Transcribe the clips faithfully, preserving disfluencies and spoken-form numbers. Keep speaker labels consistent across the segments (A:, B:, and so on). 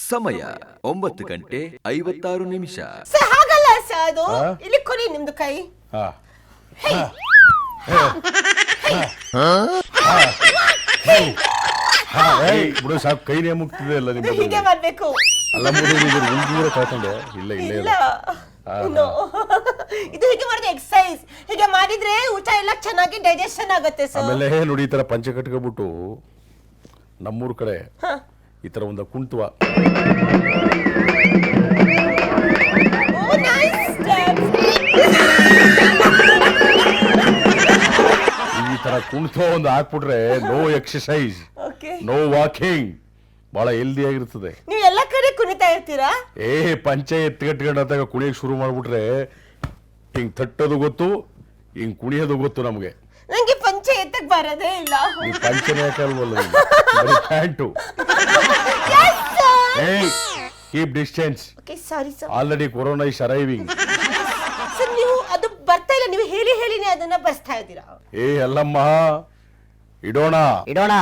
A: ಸಮಯ ಒಂಬತ್ತು ಗಂಟೆ ಐವತ್ತಾರು ನಿಮಿಷ.
B: ಹಾಗಲ್ಲ ಸರ್, ಅದು ಇಲ್ಲಿ ಕೊಡಿ ನಿಮ್ದು ಕೈ.
C: ಬಿಡು ಸಾಕು, ಕೈನೇ ಮುಗ್ತಿದೆ ಅಲ್ಲ ನಿಮ್ಗೆ.
B: ಹೀಗೆ ಮಾಡ್ಬೇಕು.
C: ಅಲ್ಲ ಮುಂದಿನ ಕಾಕೊಂಡೆ ಇಲ್ಲ ಇಲ್ಲ ಇಲ್ಲ
B: ಇದು ಹೀಗೆ ಮಾಡಿದ್ರೆ ಎಕ್ಸರ್ಸೈಸ್. ಹೀಗೆ ಮಾಡಿದ್ರೆ ಊಟ ಎಲ್ಲ ಚೆನ್ನಾಗಿ ಡೈಜೆಷನ್ ಆಗುತ್ತೆ ಸರ್.
C: ಆಮೇಲೆ ನೋಡಿ ಈ ತರ ಪಂಚೆ ಕಟ್ಕೊಬಿಟ್ಟು ನಮ್ಮೂರ್ ಕಡೆ ಈ ತರ ಒಂದು ಕುಂಟುವ ಈ ತರ ಕುಂಟುವ ಒಂದು ಹಾಕ್ಬಿಟ್ರೆ ನೋ ಎಕ್ಸರ್ಸೈಸ್, ನೋ ವಾಕಿಂಗ್, ಬಹಳ ಹೆಲ್ದಿ ಆಗಿರ್ತದೆ.
B: ನೀವು ಎಲ್ಲ ಕಡೆ ಕುಣಿತಾ ಇರ್ತೀರಾ?
C: ಏ ಪಂಚೆ ಎತ್ಕಟ್ಕೊಂಡಾಗ ಕುಣಿಯಕ್ ಶುರು ಮಾಡ್ಬಿಟ್ರೆ ಹಿಂಗ್ ತಟ್ಟೋದು ಗೊತ್ತು, ಹಿಂಗ್ ಕುಣಿಯೋದು ಗೊತ್ತು ನಮ್ಗೆ.
B: ನಂಗೆ ಪಂಚೆ ಎತ್ತಕ್ ಬರೋದೇ ಇಲ್ಲ.
C: ಈ ಪಂಚನೆ ಯಾಕಲ್ವಲ್ಲ pant. Keep distance.
B: Sorry sir,
C: already corona is arriving.
B: Sir ನೀವು ಅದು ಬರ್ತಾ ಇಲ್ಲ, ನೀವು ಹೇಳಿ ಹೇಳಿನೇ ಅದನ್ನ ಬರ್ಸ್ತಾ ಇದ್ದೀರಾ.
C: ಏ ಅಲ್ಲಮ್ಮ, ಇಡೋಣ
D: ಇಡೋಣ.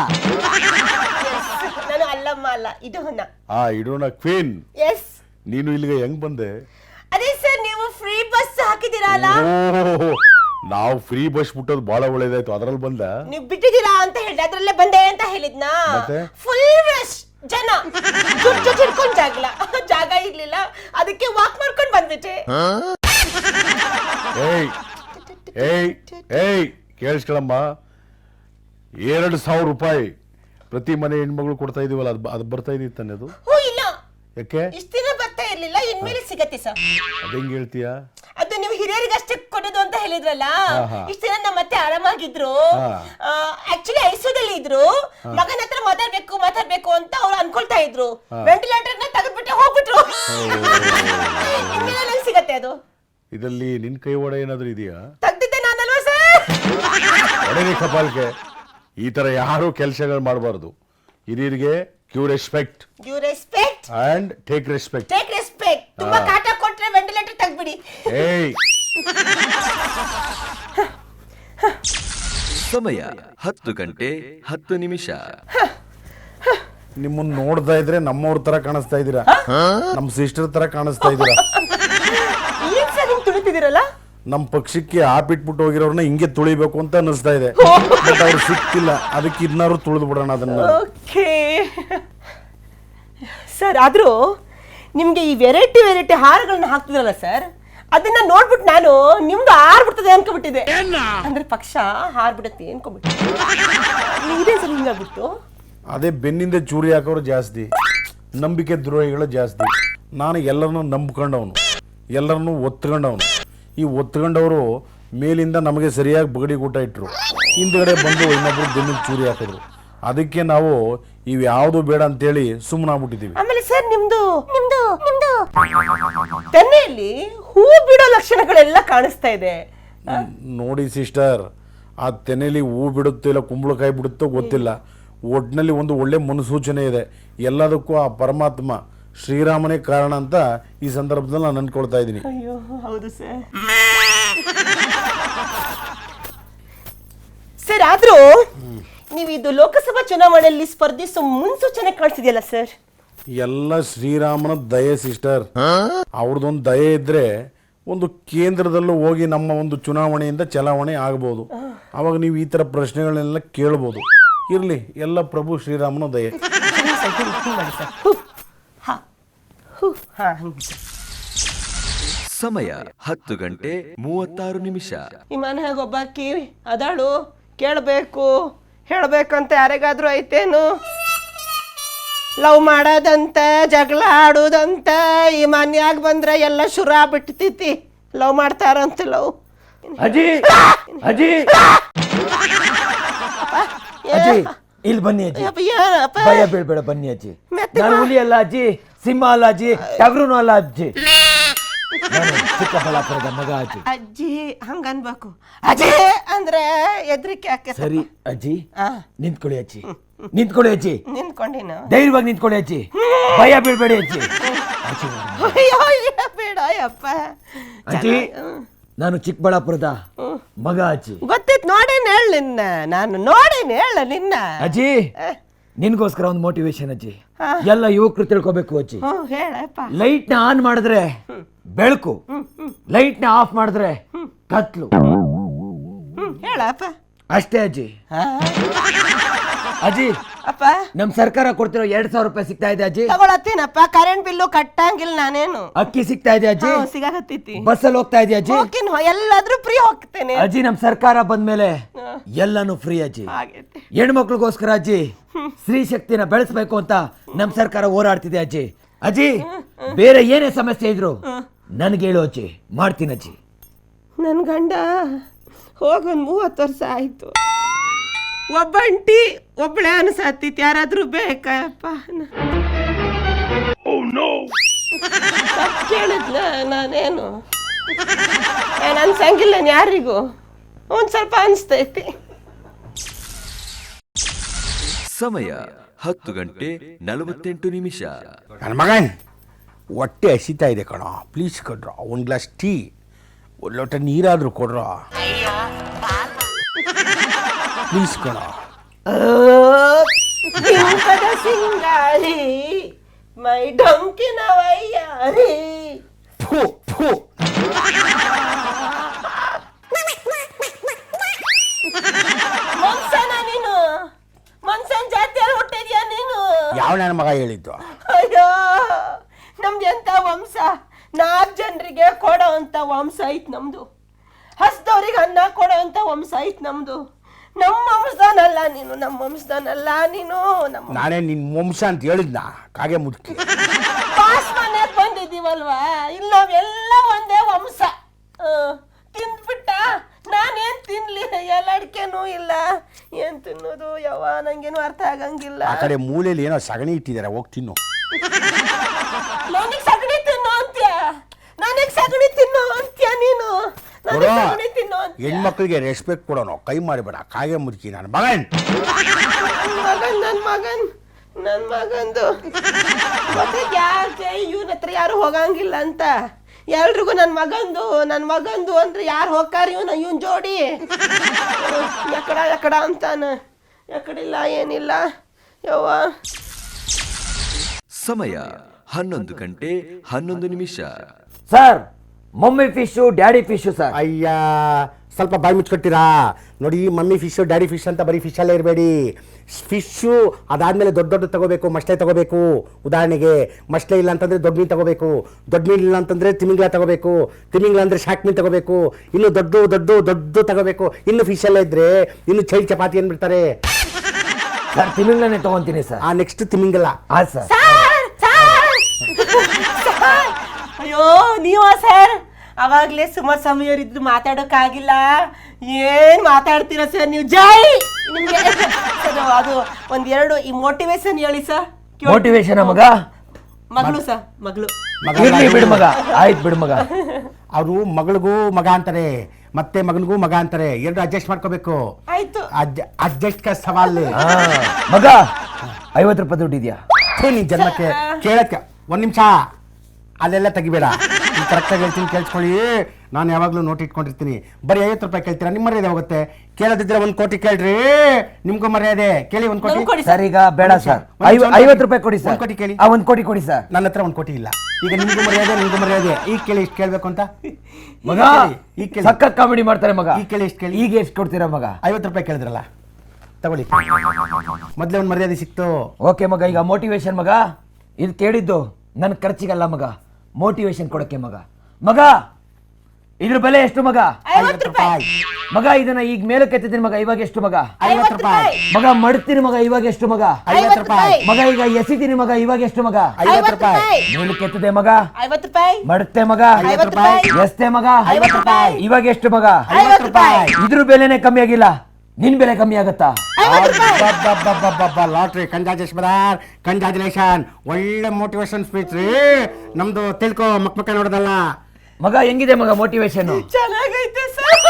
B: ನಾನು ಅಲ್ಲಮ್ಮ ಅಲ್ಲ, ಇಡೋಣ.
C: ಹಾ ಇಡೋಣ ಕ್ವೀನ್.
B: ಎಸ್.
C: ನೀನು ಇಲ್ಲಿಗೆ ಹೆಂಗ್ ಬಂದೆ?
B: ಅದೇ ಸರ್, ನೀವು ಫ್ರೀ ಬಸ್ ಹಾಕಿದ್ದೀರಲ್ಲ.
C: ನಾವು ಫ್ರೀ ಬಸ್ ಬಿಟ್ಟೋದು ಬಹಳ ಒಳ್ಳೇದಾಯ್ತು, ಅದ್ರಲ್ಲಿ ಬಂದ.
B: ನೀವು ಬಿಟ್ಟಿದ್ದೀರಾ ಅಂತ ಹೇಳಿದ್ರೆ ಅದ್ರಲ್ಲೇ ಬಂದೆ ಅಂತ ಹೇಳಿದ್ನಾ. ಫುಲ್ ರಶ್ ಜನ, ಜುಟ್ ಜುಟ್ ಹಿಡ್ಕೊಂಡ್ ಜಾಗಲ ಜಾಗ ಇರ್ಲಿಲ್ಲ, ಅದಕ್ಕೆ ವಾಕ್ ಮಾಡ್ಕೊಂಡ್ ಬಂದ್ಬಿಟ್ಟೆ.
C: ಏಯ್ ಏಯ್ ಏಯ್ ಕೇಳಿಸ್ಕೊಳಮ್ಮ, ಎರಡು ಸಾವಿರ ರೂಪಾಯಿ ಪ್ರತಿ ಮನೆ ಹೆಣ್ಮಗಳು ಕೊಡ್ತಾ ಇದೀವಲ್ಲ, ಅದು ಅದು ಬರ್ತಾ ಇದೀವಿ ತಾನೆ ಅದು?
B: ಹೋ ಇಲ್ಲ,
C: ಯಾಕೆ
B: ಇಷ್ಟ ದಿನ ಬರ್ತಾ ಇರ್ಲಿಲ್ಲ, ಇನ್ಮೇಲೆ ಸಿಗತ್ತೆ ಸರ್.
C: ಅದ ಹೆಂಗ್ ಹೇಳ್ತೀಯಾ?
B: ಅದು ನೀವು ಹಿರಿಯರಿಗಷ್ಟೇ ಕೊಡೋದು ಅಂತ ಹೇಳಿದ್ರಲ್ಲ, ಇಷ್ಟ ದಿನ ನಮ್ಮ ಮತ್ತೆ ಆರಾಮಾಗಿದ್ರು. ಆಕ್ಚುಲಿ ಐಸಿಯುದಲ್ಲಿ ಇದ್ರು, ಮಗನ ಹತ್ರ ಮಾತಾಡ್ಬೇಕು ಮಾತಾಡ್ಬೇಕು ಅಂತ ಅವ್ರು ಅನ್ಕೊಳ್ತಾ ಇದ್ರು. ವೆಂಟಿಲೇಟರ್ ನ ತೆಗೆದ್ಬಿಟ್ಟು ಹೋಗ್ಬಿಟ್ರು. ಇನ್ಮೇಲೆ ನಂಗೆ ಸಿಗತ್ತೆ ಅದು.
C: ಇದರಲ್ಲಿ ನಿನ್ ಕೈ ಒಡೆ ಏನಾದ್ರು ಇದೆಯಾ?
B: ತೆಗ್ದಿದ್ದೆ ನಾನಲ್ವಾ ಸರ್?
C: ಒಡೆರಿ ಕಪಾಲ್ಗೆ. ಈ ತರ ಯಾರು ಕೆಲಸಗಳು ಮಾಡಬಾರ್ದು. ಹಿರಿಯರಿಗೆ ಕ್ಯೂ respect,
B: due respect
C: and take respect.
B: Take respect. ತುಂಬಾ ಕಾಟ ಕೊಟ್ರೆ ವೆಂಟಿಲೇಟರ್ ತೆಗ್ಬಿಡಿ.
C: ಏಯ್
A: ಸಮಯ ಹತ್ತು ಗಂಟೆ ಹತ್ತು ನಿಮಿಷ.
C: ನಿಮ್ಮನ್ನ ನೋಡ್ತಾ ಇದ್ರೆ ನಮ್ಮವ್ರ ತರ ಕಾಣಿಸ್ತಾ ಇದೀರಾ, ನಮ್ ಸಿಸ್ಟರ್ ತರ ಕಾಣಿಸ್ತಾ ಇದೀರಾ.
B: ಏನ್ ಸರ್ ಹಿಂಗ್ ತುಳಿತಿದ್ದೀರಲ್ಲ?
C: ನಮ್ ಪಕ್ಷಕ್ಕೆ ಆಪಿಟ್ಬಿಟ್ಟು ಹೋಗಿರೋರ್ನ ಹಿಂಗೆ ತುಳಿಬೇಕು ಅಂತ ಅನಿಸ್ತಾ ಇದೆ, ಬಟ್ ಅವ್ರು ಸಿಕ್ತಿಲ್ಲ, ಅದಕ್ಕೆ ಇದನ್ನಾರು ತುಳಿದು ಬಿಡೋಣ ಅದನ್ನ.
B: ಓಕೆ ಸರ್, ಆದ್ರೂ ನಿಮ್ಗೆ ಈ ವೆರೈಟಿ ವೆರೈಟಿ ಹಾರಗಳನ್ನ ಹಾಕ್ತಿದ್ರಲ್ಲ ಸರ್, ಅದನ್ನ ನೋಡ್ಬಿಟ್ಟು ನಾನು ನಿಮ್ದು ಹಾರ್ಬಿಡ್ತದೆ ಅನ್ಕೊಬಿಟ್ಟಿದೆ. ಅಂದ್ರೆ ಪಕ್ಷ ಹಾರ್ಬಿಡುತ್ತೆ ಅನ್ಕೊಂಡ್ಬಿಟ್ಟು. ಇದೇ ಸರ್ ಹಿಂಗಾಗ್ಬಿಟ್ಟು.
C: ಅದೇ ಬೆನ್ನಿಂದ ಚೂರಿ ಹಾಕೋರು ಜಾಸ್ತಿ, ನಂಬಿಕೆ ದ್ರೋಹಿಗಳು ಜಾಸ್ತಿ. ನಾನು ಎಲ್ಲರನ್ನೂ ನಂಬ್ಕೊಂಡವನು, ಎಲ್ಲರನ್ನೂ ಒತ್ಕೊಂಡವನು. ಈ ಒತ್ಕೊಂಡವರು ಮೇಲಿಂದ ನಮಗೆ ಸರಿಯಾಗಿ ಬಗಡಿ ಊಟ ಇಟ್ಟರು, ಹಿಂದ್ಗಡೆ ಬಂದು ಇನ್ನೊಬ್ರು ಬೆನ್ನಿಗೆ ಚೂರಿ ಹಾಕಿದ್ರು. ಅದಕ್ಕೆ ನಾವು ಇವ್ ಯಾವ್ದು ಬೇಡ ಅಂತೇಳಿ ಸುಮ್ಮನಾಗ್ಬಿಟ್ಟಿದೀವಿ.
B: ಆಮೇಲೆ ಸರ್, ನಿಮ್ದು ನಿಮ್ದು ನಿಮ್ದು ತೆನೆಯಲ್ಲಿ ಹೂ ಬಿಡೋ ಲಕ್ಷಣಗಳೆಲ್ಲ ಕಾಣಿಸ್ತಾ ಇದೆ.
C: ನೋಡಿ ಸಿಸ್ಟರ್, ಆ ತೆನೆಯಲ್ಲಿ ಹೂ ಬಿಡುತ್ತೋ ಇಲ್ಲ ಕುಂಬಳಕಾಯಿ ಬಿಡುತ್ತೋ ಗೊತ್ತಿಲ್ಲ, ಒಟ್ಟಿನಲ್ಲಿ ಒಂದು ಒಳ್ಳೆ ಮುನ್ಸೂಚನೆ ಇದೆ. ಎಲ್ಲದಕ್ಕೂ ಆ ಪರಮಾತ್ಮ ಶ್ರೀರಾಮನೇ ಕಾರಣ ಅಂತ ಈ ಸಂದರ್ಭದಲ್ಲಿ ನಾನು ಅನ್ಕೊಳ್ತಾ ಇದ್ದೀನಿ.
B: ಅಯ್ಯೋ ಹೌದು ಸರ್. ಸರ್, ಆದ್ರೂ ನೀವು ಇದು ಲೋಕಸಭಾ ಚುನಾವಣೆಯಲ್ಲಿ ಸ್ಪರ್ಧಿಸೋ ಮುನ್ಸೂಚನೆ ಕಾಣಿಸಿದೆಯಲ್ಲ ಸರ್?
C: ಎಲ್ಲ ಶ್ರೀರಾಮನ ದಯೆ ಸಿಸ್ಟರ್. ಅವ್ರದ್ದೊಂದು ದಯೆ ಇದ್ರೆ ಒಂದು ಕೇಂದ್ರದಲ್ಲೂ ಹೋಗಿ ನಮ್ಮ ಒಂದು ಚುನಾವಣೆಯಿಂದ ಚಲಾವಣೆ ಆಗಬಹುದು. ಅವಾಗ ನೀವು ಈ ತರ ಪ್ರಶ್ನೆಗಳನ್ನೆಲ್ಲ ಕೇಳಬಹುದು. ಇರ್ಲಿ, ಎಲ್ಲ ಪ್ರಭು ಶ್ರೀರಾಮನ ದಯೆ.
A: ಸಮಯ ಹತ್ತು ಗಂಟೆ ಮೂವತ್ತಾರು ನಿಮಿಷ.
B: ಈ ಮನೆಯಾಗ ಒಬ್ಬಾಕಿ ಅದಾಳು, ಕೇಳಬೇಕು ಹೇಳಬೇಕಂತ ಯಾರಿಗಾದ್ರೂ ಐತೇನು? ಲವ್ ಮಾಡೋದಂತ, ಜಗಳ ಆಡೋದಂತ ಈ ಮನ್ಯಾಗ ಬಂದ್ರೆ ಎಲ್ಲ ಶುರು ಆಗ್ಬಿಡ್ತೈತಿ. ಲವ್ ಮಾಡ್ತಾರಂತ ಲವ್.
D: ಅಜ್ಜಿ ಅಜ್ಜಿ ಅಜ್ಜಿ ಇಲ್ಲಿ ಬನ್ನಿ ಅಜ್ಜಿ, ಭಯ ಬೀಳ್ಬೇಡ, ಬನ್ನಿ ಅಜ್ಜಿ. ನಾನು ಹುಲಿ ಅಲ್ಲ ಅಜ್ಜಿ, ಸಿಂಹ ಅಲ್ಲ ಅಜ್ಜಿ, ಟಗರುನು ಅಲ್ಲ ಅಜ್ಜಿ, ಚಿಕ್ಕಬಳ್ಳಾಪುರದ ಮಗ ಅಜ್ಜಿ.
B: ಅಜ್ಜಿ ಹಂಗನ್ಬೇಕು, ಅಜ್ಜಿ ಅಂದ್ರೆ ಎದ್ರಿಕೆ ಯಾಕೆ?
D: ಸರಿ ಅಜ್ಜಿ, ನಿಂತ್ಕೊಳ್ಳಿ ಅಜ್ಜಿ, ನಿಂತ್ಕೊಳ್ಳಿ ಅಜ್ಜಿ,
B: ನಿಂತ್ಕೊಂಡಿನ
D: ಧೈರ್ಯವಾಗಿ ನಿಂತ್ಕೊಳ್ಳಿ ಅಜ್ಜಿ, ಭಯ ಬೀಳ್ಬೇಡಿ ಅಜ್ಜಿ.
B: ಬೇಡ ಯಪ್ಪ
D: ಅಜ್ಜಿ, ನಾನು ಚಿಕ್ಕಬಳ್ಳಾಪುರದ ಮಗ ಅಜ್ಜಿ.
B: ಗೊತ್ತಿತ್ತು, ನೋಡೇನು ಹೇಳ ನಿನ್ನ, ನಾನು ನೋಡೇನು ಹೇಳ ನಿನ್ನ.
D: ಅಜ್ಜಿ, ನಿನ್ಗೋಸ್ಕರ ಒಂದು ಮೋಟಿವೇಶನ್ ಅಜ್ಜಿ. ಎಲ್ಲ ಯುವಕರು ತಿಳ್ಕೊಬೇಕು ಅಜ್ಜಿ.
B: ಹ್ಮ್ ಹೇಳಪ್ಪ.
D: ಲೈಟ್ ನ ಆನ್ ಮಾಡಿದ್ರೆ ಬೆಳಕು, ಲೈಟ್ ನ ಆಫ್ ಮಾಡಿದ್ರೆ ಕತ್ಲು.
B: ಹ್ಮ್ ಹೇಳಪ್ಪ.
D: ಅಷ್ಟೇ ಅಜ್ಜಿ. ಅಜ್ಜಿ
B: ಅಪ್ಪ
D: ನಮ್ ಸರ್ಕಾರ ಕೊಡ್ತಿರೋ ಎರಡ್ ಸಾವಿರ ರೂಪಾಯಿ ಸಿಗ್ತಾ ಇದೆ ಅಜ್ಜಿ.
B: ತಗೊಳತ್ತೀನಪ್ಪ. ಕರೆಂಟ್ ಬಿಲ್ಲು ಕಟ್ಟಂಗಿಲ್ಲ ನಾನೇನು.
D: ಅಕ್ಕಿ ಸಿಗ್ತಾ ಇದೆ ಅಜ್ಜಿ.
B: ಸಿಗಾಕತ್ತೈತಿ.
D: ಬಸ್ಸಲ್ಲಿ ಹೋಗ್ತಾ ಇದೆಯಾ ಅಜ್ಜಿ?
B: ಹೋಗ್ತೀನಿ, ಎಲ್ಲಾದ್ರೂ ಫ್ರೀ ಹೋಗ್ತೇನೆ
D: ಅಜ್ಜಿ. ನಮ್ ಸರ್ಕಾರ ಬಂದ್ಮೇಲೆ ಎಲ್ಲಾನು ಫ್ರೀ ಅಜ್ಜಿ.
B: ಆಗೈತೆ.
D: ಹೆಣ್ಮಕ್ಳಿಗೋಸ್ಕರ ಅಜ್ಜಿ ಸ್ತ್ರೀ ಶಕ್ತಿನ ಬೆಳೆಸ್ಬೇಕು ಅಂತ ನಮ್ ಸರ್ಕಾರ ಹೋರಾಡ್ತಿದೆ ಅಜ್ಜಿ. ಅಜ್ಜಿ ಬೇರೆ ಏನೇ ಸಮಸ್ಯೆ ಇದ್ರು ನನ್ಗೆ ಹೇಳು ಅಜ್ಜಿ, ಮಾಡ್ತೀನಿ ಅಜ್ಜಿ.
B: ನನ್ ಗಂಡ ಹೋಗೊಂದ್ ಮೂವತ್ತು ವರ್ಷ ಆಯ್ತು. ಒಬ್ಬಂಟಿ ಒಬ್ಬಳೆ ಅನ್ಸತ್ತಿತ್ತು. ಯಾರಾದ್ರೂ ಬೇಕಪ್ಪ? ಕೇಳಿದ್ನ ನಾನೇನು ಏನ್ ಅನ್ಸಂಗಿಲ್ಲ ಯಾರಿಗೂ. ಒಂದ್ ಸ್ವಲ್ಪ ಅನ್ಸ್ತೈತಿ.
A: ಸಮಯ ಹತ್ತು ಗಂಟೆ ನಲವತ್ತೆಂಟು ನಿಮಿಷ.
C: ನನ್ನ ಮಗನ್ ಹೊಟ್ಟೆ ಹಸಿತಾ ಇದೆ ಕಣೋ, ಪ್ಲೀಸ್ ಕೊಡ್ರ ಒಂದು ಗ್ಲಾಸ್ ಟೀ, ಒಂದು ಲೋಟ ನೀರಾದರೂ ಕೊಡ್ರ ಪ್ಲೀಸ್ ಕಣೋ.
B: ಬಿಂಕದ ಸಿಂಗಾರಿ ಮೈ ಡೊಂಕಿನ ವಯ್ಯಾರಿ.
C: ಫು ಫು.
B: ಮನ್ಸನ ನೀನು? ಮನ್ಸನ್ ಜಾತಿಯಲ್ಲಿ ಹುಟ್ಟಿದ್ಯಾ ನೀನು?
C: ಯಾವ ನನ್ನ ಮಗ ಹೇಳಿದ್ದು?
B: ಅಯ್ಯೋ ನಮ್ದು ಎಂತ ವಂಶ. ನಾಲ್ಕು ಜನರಿಗೆ ಕೊಡೋ ಅಂತ ವಂಶ ಐತ್ ನಮ್ದು. ಹಸ್ದವ್ರಿಗೆ ಅನ್ನ ಕೊಡೋ ಅಂತ ವಂಶ ಐತ್ ನಮ್ದು. ನಮ್ಮ ವಂಶದನಲ್ಲ ನೀನು, ನಮ್ಮ ವಂಶದನಲ್ಲ ನೀನು. ನಮ್ಮ
C: ನಾನೇ ನಿನ್ನ ವಂಶ ಅಂತ ಹೇಳಿದ್ನ ಕಾಗೆ ಮುದುಕಿ.
B: ಪಾಸ್ ಮನೆಗೆ ಬಂದಿದ್ದೀವಲ್ವಾ, ಇಲ್ಲಿ ನಾವೆಲ್ಲ ಒಂದೇ ವಂಶ. ತಿಂದ್ಬಿಟ್ಟ ನಾನೇನ್ ತಿನ್ಲಿ? ಎಲ್ಲ ಅಡಿಕೆನೂ ಇಲ್ಲ, ಏನ್ ತಿನ್ನೋದು ಯಾವ ನಂಗೇನು ಅರ್ಥ ಆಗಂಗಿಲ್ಲ.
C: ಆ ಕಡೆ ಮೂಲೆಯಲ್ಲಿ ಏನೋ ಸಗಣಿ ಇಟ್ಟಿದ್ದಾರೆ, ಹೋಗಿ ತಿನ್ನು.
B: ನನಗೆ ಸಗಣಿ ತಿನ್ನು ಅಂತ್ಯ? ನನಗೆ ಸಗಣಿ ತಿನ್ನು ಅಂತ್ಯ ನೀನು? ನನಗೆ ಸಗಣಿ ತಿನ್ನು ಅಂತ್ಯ?
C: ಹೆಣ್ಮಕ್ಳಿಗೆ ರೆಸ್ಪೆಕ್ಟ್ ಕೊಡೋನು, ಕೈ ಮಾಡಿಬೇಡ ಕಾಗೆ ಮುದುಕಿ ನನ್ನ ಮಗನ್.
B: ನನ್ ಮಗನ್ ನನ್ ಮಗನ್ ನನ್ ಮಗಂದು ಮತ್ತೆ ಯಾಕೆ ಇವನ ಹತ್ರ ಯಾರು ಹೋಗಂಗಿಲ್ಲ ಅಂತ ಎಲ್ರಿಗೂ ನನ್ ಮಗಂದು ನನ್ ಮಗಂದು ಅಂದ್ರೆ ಯಾರು ಹೋಗ್ತಾರ? ಇವನ ಇವನ್ ಜೋಡಿ ಎಕಡ ಎಕಡ ಅಂತಾನ. ಎಕಡಿಲ್ಲ ಏನಿಲ್ಲ ಯವ್ವ.
A: ಸಮಯ ಹನ್ನೊಂದು ಗಂಟೆ ಹನ್ನೊಂದು ನಿಮಿಷ.
D: Sir mummy fish daddy fish sir.
C: ಅಯ್ಯ ಸ್ವಲ್ಪ ಬಾಯಿ ಮುಚ್ಕೊಟ್ಟಿರಾ ನೋಡಿ. ಮಮ್ಮಿ ಫಿಶು ಡ್ಯಾಡಿ ಫಿಶ್ ಅಂತ ಬರೀ ಫಿಶಲ್ಲೇ ಇರಬೇಡಿ. ಫಿಶ್ಶು ಅದಾದಮೇಲೆ ದೊಡ್ಡ ದೊಡ್ಡ ತಗೋಬೇಕು, ಮಸ್ಲೆ ತಗೋಬೇಕು. ಉದಾಹರಣೆಗೆ ಮಸ್ಲೆ ಇಲ್ಲ ಅಂತಂದರೆ ದೊಡ್ಡ ಮೀನು ತಗೋಬೇಕು, ದೊಡ್ಡ ಮೀನು ಇಲ್ಲ ಅಂತಂದರೆ ತಿಮಿಂಗ್ಲ ತಗೋಬೇಕು, ತಿಮಿಂಗ್ಲ ಅಂದರೆ ಶಾಕ್ ಮೀನು ತಗೋಬೇಕು, ಇನ್ನು ದೊಡ್ಡ ದೊಡ್ಡ ದೊಡ್ಡ ತಗೋಬೇಕು. ಇನ್ನು ಫಿಶಲ್ಲೇ ಇದ್ದರೆ ಇನ್ನು ಚೈಲ್ ಚಪಾತಿ ಏನ್ಬಿಡ್ತಾರೆ
D: ಸರ್. ತಿಮಿಂಗ್ಲನೇ ತಗೊಂತೀನಿ ಸರ್.
C: ಆ ನೆಕ್ಸ್ಟ್ ತಿಮಿಂಗಲ.
D: ಹಾ ಸರ್.
B: ಅಯ್ಯೋ ನೀವ ಸರ್? ಅವಾಗ್ಲೇ ಸುಮಾರು ಸಮಯರಿದ್ರು ಮಾತಾಡೋಕ್ಕಾಗಿಲ್ಲ. ಏನ್ ಮಾತಾಡ್ತೀರಾ ಸರ್ ನೀವು? ಜೈ ನಿಮ್ಗೆ. ಅದು ಒಂದೆರಡು ಈ ಮೋಟಿವೇಶನ್ ಹೇಳಿ ಸರ್.
D: ಮೋಟಿವೇಶನ್ ಮಗ?
B: ಮಗಳು ಸರ್, ಮಗಳು.
D: ಇರ್ಲಿ ಬಿಡು ಮಗ, ಆಯ್ತು ಬಿಡು ಮಗ.
C: ಅವರು ಮಗಳಿಗೂ ಮಗ ಅಂತಾರೆ, ಮತ್ತೆ ಮಗನಿಗೂ ಮಗ ಅಂತಾರೆ. ಎರಡು ಅಡ್ಜಸ್ಟ್ ಮಾಡ್ಕೋಬೇಕು.
B: ಆಯ್ತು.
C: ಅಡ್ಜಸ್ಟ್ ಕ ಸವಾಲ್.
D: ಮಗ ಐವತ್ತು ರೂಪಾಯಿ ದುಡ್ಡಿದ್ಯಾ?
C: ನೀನ್ ಜನ್ಮಕ್ಕೆ ಕೇಳಕ್ಕೆ ಒಂದ್ ನಿಮಿಷ ಅಲ್ಲೆಲ್ಲ ತೆಗಿಬೇಡ. ಕರೆಕ್ಟಾಗಿ ಹೇಳ್ತೀನಿ ಕೇಳಿಸ್ಕೊಳ್ಳಿ. ನಾನು ಯಾವಾಗಲೂ ನೋಟ್ ಇಟ್ಕೊಂಡಿರ್ತೀನಿ. ಬರೀ ಐವತ್ತು ರೂಪಾಯಿ ಕೇಳ್ತೀರಾ, ನಿಮ್ಮ ಮರ್ಯಾದೆ ಹೋಗುತ್ತೆ. ಕೇಳದಿದ್ರೆ ಒಂದು ಕೋಟಿ ಕೇಳ್ರಿ, ನಿಮ್ಗೂ ಮರ್ಯಾದೆ. ಕೇಳಿ ಒಂದು ಕೋಟಿ.
D: ಸರ್ ಈಗ ಬೇಡ ಸರ್, ಐವತ್ತು ರೂಪಾಯಿ ಕೊಡಿ ಸರ್.
C: ಒಂದು ಕೋಟಿ ಕೇಳಿ.
D: ಒಂದು ಕೋಟಿ ಕೊಡಿ ಸರ್.
C: ನನ್ನ ಹತ್ರ ಒಂದು ಕೋಟಿ ಇಲ್ಲ. ಈಗ ನಿಮ್ಗೂ ಮರ್ಯಾದೆ, ನಿಮ್ಗೂ ಮರ್ಯಾದೆ. ಈಗ ಕೇಳಿ ಇಷ್ಟು ಕೇಳಬೇಕು ಅಂತ.
D: ಮಗ
C: ಈಗ ಕೇಳಿ.
D: ಸಖತ್ ಕಾಮಿಡಿ ಮಾಡ್ತಾರೆ ಮಗ.
C: ಈಗ ಕೇಳಿ ಇಷ್ಟು ಕೇಳಿ.
D: ಈಗ ಎಷ್ಟು ಕೊಡ್ತೀರಾ ಮಗ?
C: ಐವತ್ತು ರೂಪಾಯಿ ಕೇಳಿದ್ರಲ್ಲ, ತಗೊಳ್ಳಿ. ಮೊದಲೇ ಒಂದು ಮರ್ಯಾದೆ ಸಿಕ್ತು.
D: ಓಕೆ ಮಗ. ಈಗ ಮೋಟಿವೇಶನ್ ಮಗ, ಇದು ಕೇಳಿದ್ದು ನನ್ನ ಖರ್ಚಿಗಲ್ಲ ಮಗ, ಮೋಟಿವೇಶನ್ ಕೊಡಕ್ಕೆ ಮಗ. ಮಗ ಇದ್ರ ಬೆಲೆ ಎಷ್ಟು ಮಗ?
B: ಐವತ್ತು ರೂಪಾಯಿ
D: ಮಗ. ಇದನ್ನ ಈಗ ಮೇಲಕ್ಕೆ ಎತ್ತಿದ್ದೀನಿ ಮಗ, ಇವಾಗ ಎಷ್ಟು ಮಗ?
C: ಐವತ್ತು ರೂಪಾಯಿ
D: ಮಗ. ಮಡ್ತೀನಿ ಮಗ, ಇವಾಗ ಎಷ್ಟು ಮಗ?
C: ಐವತ್ತು ರೂಪಾಯಿ
D: ಮಗ. ಈಗ ಎಸಿತೀನಿ ಮಗ, ಇವಾಗ ಎಷ್ಟು ಮಗ?
C: ಐವತ್ತು ರೂಪಾಯಿ
D: ಮೇಲಕ್ಕೆ ಎತ್ತದೆ ಮಗ,
B: ಐವತ್ತು ರೂಪಾಯಿ
D: ಮಡುತ್ತೆ ಮಗ,
C: ಐವತ್ತು ರೂಪಾಯಿ
D: ಎಸ್ತೆ ಮಗ,
B: ಐವತ್ತು ರೂಪಾಯಿ
D: ಇವಾಗ ಎಷ್ಟು ಮಗ?
C: ಐವತ್ತು ರೂಪಾಯಿ.
D: ಇದ್ರ ಬೆಲೆನೇ ಕಮ್ಮಿ ಆಗಿಲ್ಲ, ನಿನ್ ಬೆಲೆ ಕಮ್ಮಿ ಆಗತ್ತಾ?
C: ಲಾಟ್ರಿ. Congratulation brother, congratulation. ಒಳ್ಳೆ ಮೋಟಿವೇಶನ್ ಸ್ಪೀಚ್ ರೀ ನಮ್ದು. ತಿಳ್ಕೊ, ಮಕ್ ಮಕ್ಕ ನೋಡೋದಲ್ಲ
D: ಮಗ. ಹೆಂಗಿದೆ ಮಗ ಮೋಟಿವೇಶನ್?
B: ಚೆನ್ನಾಗೈತೆ ಸರ್.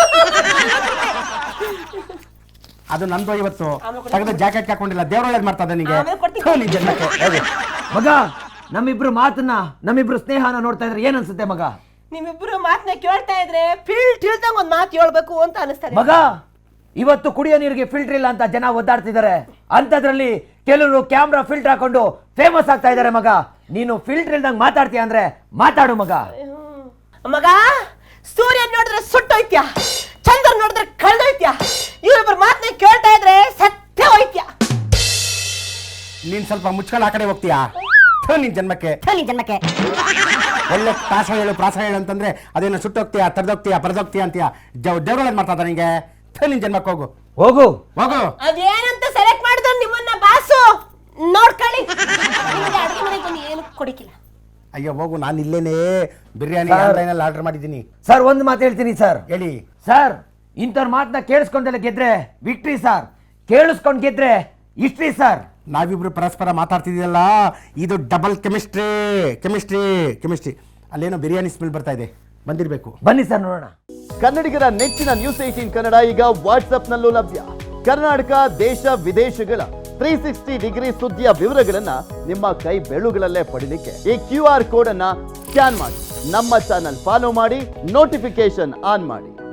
C: ಅದು ನಂದು ಇವತ್ತು ತೆಗೆದು ಜಾಕೆಟ್ ಹಾಕೊಂಡಿಲ್ಲ. ದೇವ್ರ ಒಳ್ಳೇದು ಮಾಡ್ತದೆ ನಿನಗೆ.
B: ಆಮೇಲೆ ಕೊಡ್ತೀನಿ.
C: ಥು, ನಿನ್ ಜನ್ಮಕ್ಕೆ. ಹೋಗು.
D: ಮಗ ನಮ್ಮಿಬ್ರು ಮಾತನ್ನ, ನಮ್ಮಿಬ್ರು ಸ್ನೇಹನ ನೋಡ್ತಾ ಇದ್ರೆ ಏನ್ ಅನ್ಸುತ್ತೆ ಮಗ?
B: ನಿಮ್ಮಿಬ್ರು ಮಾತನ್ನ ಕೇಳ್ತಾ ಇದ್ರೆ ಫೀಲ್ ತಿಳ್ದಂಗ ಒಂದ್ ಮಾತು ಹೇಳ್ಬೇಕು ಅಂತ ಅನಿಸ್ತದೆ
D: ಮಗ. ಇವತ್ತು ಕುಡಿಯೋ ನೀರಿಗೆ ಫಿಲ್ಟರ್ ಇಲ್ಲ ಅಂತ ಜನ ಒದ್ದಾಡ್ತಿದ್ದಾರೆ. ಅಂತದ್ರಲ್ಲಿ ಕೆಲವರು ಕ್ಯಾಮ್ರಾ ಫಿಲ್ಟರ್ ಹಾಕೊಂಡು ಫೇಮಸ್ ಆಗ್ತಾ ಇದಾರೆ ಮಗ. ನೀನು ಫಿಲ್ಟರ್ ಇಲ್ದಂಗ್ ಮಾತಾಡ್ತೀಯ ಅಂದ್ರೆ ಮಾತಾಡು ಮಗ.
B: ಮಗ ಸೂರ್ಯ ನೋಡಿದ್ರೆ ಸುಟ್ಟೋಯ್ತ್ಯಾ, ಚಂದ್ರ ನೋಡಿದ್ರೆ ಕಳ್ದೋಯ್ತ್ಯಾ, ಇವ್ರೊಬ್ಬರ ಮಾತನ್ನ ಕೇಳ್ತಾ ಇದ್ರೆ ಸತ್ಯ ಹೋಯ್ತ್ಯಾ.
C: ನೀನ್ ಸ್ವಲ್ಪ ಮುಚ್ಕೊಂಡು ಆ ಕಡೆ ಹೋಗ್ತೀಯಾ? ನಿನ್ ಜನ್ಮಕ್ಕೆ
B: ನಿನ್ ಜನ್ಮಕ್ಕೆ
C: ಒಳ್ಳೆ ಪ್ರಾಸ ಹೇಳು ಪ್ರಾಸ ಹೇಳು ಅಂತಂದ್ರೆ ಅದೇನು ಸುಟ್ಟೋಗ್ತೀಯಾ, ತರದೋಗ್ತೀಯಾ, ಪರದೋಗ್ತೀಯಾ ಅಂತೀಯ. ದೇವ್ರೊಳಗೆ ಮಾಡ್ತಾ ನಿಂಗೆ. ನಿನ್ ಜನ್ಮಕ್ಕೆ ಹೋಗು
D: ಹೋಗು
C: ಹೋಗು.
B: ಅದೇನಂತ ಸೆಲೆಕ್ಟ್ ಮಾಡಿದ್ರು ನಿಮ್ಮನ್ನ ಬಾಸು ನೋಡ್ಕೊಳ್ಳಿ. ನಿಮಗೆ ಅಡುಗೆ ಮನೆಗೆ ಬಂದು ಏನು ಕೊಡಿಕಿಲ್ಲ.
C: ಅಯ್ಯೋ ಹೋಗು, ನಾನು ಇಲ್ಲೇನೆ ಬಿರಿಯಾನಿ ಆನ್ಲೈನಲ್ಲಿ ಆರ್ಡರ್ ಮಾಡಿದ್ದೀನಿ.
D: ಸರ್ ಒಂದು ಮಾತು ಹೇಳ್ತೀನಿ ಸರ್.
C: ಹೇಳಿ
D: ಸರ್, ಇಂಥವ್ರ ಮಾತನ್ನ ಕೇಳಿಸ್ಕೊಂಡೆಲ್ಲ ಗೆದ್ರೆ ವಿಕ್ಟ್ರಿ ಸರ್, ಕೇಳಿಸ್ಕೊಂಡ್ ಗೆದ್ರೆ ಹಿಸ್ಟ್ರಿ ಸರ್.
C: ನಾವಿಬ್ರು ಪರಸ್ಪರ ಮಾತಾಡ್ತಿದ್ದೀಯಲ್ಲ, ಇದು ಡಬಲ್ ಕೆಮಿಸ್ಟ್ರಿ ಕೆಮಿಸ್ಟ್ರಿ ಕೆಮಿಸ್ಟ್ರಿ. ಅಲ್ಲೇನೋ ಬಿರಿಯಾನಿ ಸ್ಮೆಲ್ ಬರ್ತಾ ಇದೆ, ಬಂದಿರಬೇಕು.
D: ಬನ್ನಿ ಸರ್ ನೋಡೋಣ.
E: ಕನ್ನಡಿಗರ ನೆಚ್ಚಿನ ನ್ಯೂಸ್ ಏಟೀನ್ ಕನ್ನಡ ಈಗ ವಾಟ್ಸ್ಆಪ್ನಲ್ಲೂ ಲಭ್ಯ. ಕರ್ನಾಟಕ ದೇಶ ವಿದೇಶಗಳ ತ್ರೀ ಸಿಕ್ಸ್ಟಿ ಡಿಗ್ರಿ ಸುದ್ದಿಯ ವಿವರಗಳನ್ನ ನಿಮ್ಮ ಕೈ ಬೆಳುಗಳಲ್ಲೇ ಪಡಿಲಿಕ್ಕೆ ಈ ಕ್ಯೂ ಆರ್ ಕೋಡ್ ಅನ್ನ ಸ್ಕ್ಯಾನ್ ಮಾಡಿ, ನಮ್ಮ ಚಾನಲ್ ಫಾಲೋ ಮಾಡಿ, ನೋಟಿಫಿಕೇಶನ್ ಆನ್ ಮಾಡಿ.